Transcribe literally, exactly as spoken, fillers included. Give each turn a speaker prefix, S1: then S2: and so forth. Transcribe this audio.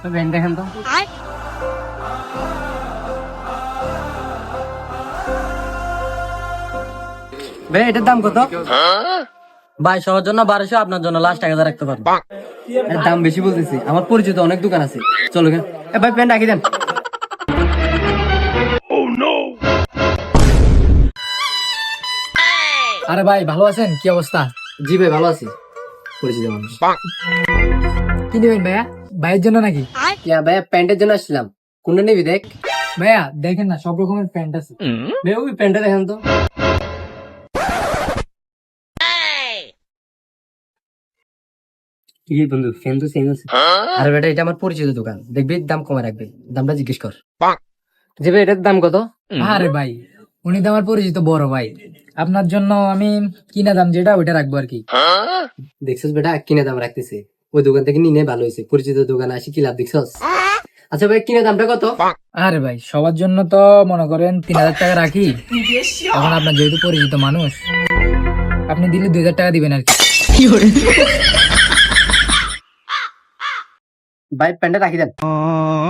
S1: Pant দেখেন তো। ভাই এটার দাম কত? ভাই সবার জন্য বারোশো, আপনার জন্য লাস্ট এক হাজার রাখতে পারবো। এর দাম বেশি বলতেছি, আমার পরিচিত অনেক দোকান আছে। চলো কেন ভাই, প্যান্ট রাখি দেন।
S2: আরে ভাই ভালো আছেন? কি অবস্থা?
S1: জি ভাই ভালো আছি, পরিচিত মানুষ।
S2: কি নেবেন ভাইয়া? ভাইয়ের জন্য নাকি?
S1: ইয়া ভাইয়া প্যান্টের জন্য আসছিলাম, কোনটা নিবি দেখ।
S2: ভাইয়া দেখেন না, সব রকমের প্যান্ট আছে।
S1: ভাই ওই প্যান্টটা দেখেন তো। কি বন্ধু, ফ্যান তো সেম আছে। আরে বেটা এটা আমার পরিচিত দোকান, দেখবি দাম কমে রাখবে, দামটা জিজ্ঞেস কর। জি ভাই এটার দাম কত?
S2: আরে ভাই উনি তো আমার পরিচিত বড় ভাই, আপনার জন্য আমি কিনা দাম যেটা ওইটা রাখবো আর কি।
S1: দেখছিস বেটা, কিনে দাম রাখতেছে, ওই দোকান থেকে নিনে ভালো হয়েছে, পরিচিত দোকানে আসি কি লাভ দেখছস। আচ্ছা ভাই কিনে দামটা কত?
S2: আরে ভাই সবার জন্য তো মনে করেন তিন হাজার টাকা রাখি। এখন আপনার যেহেতু পরিচিত মানুষ, আপনি দিলে দুই হাজার টাকা দিবেন আর কি।
S1: ভাই প্যান্টটা রাখি দেন।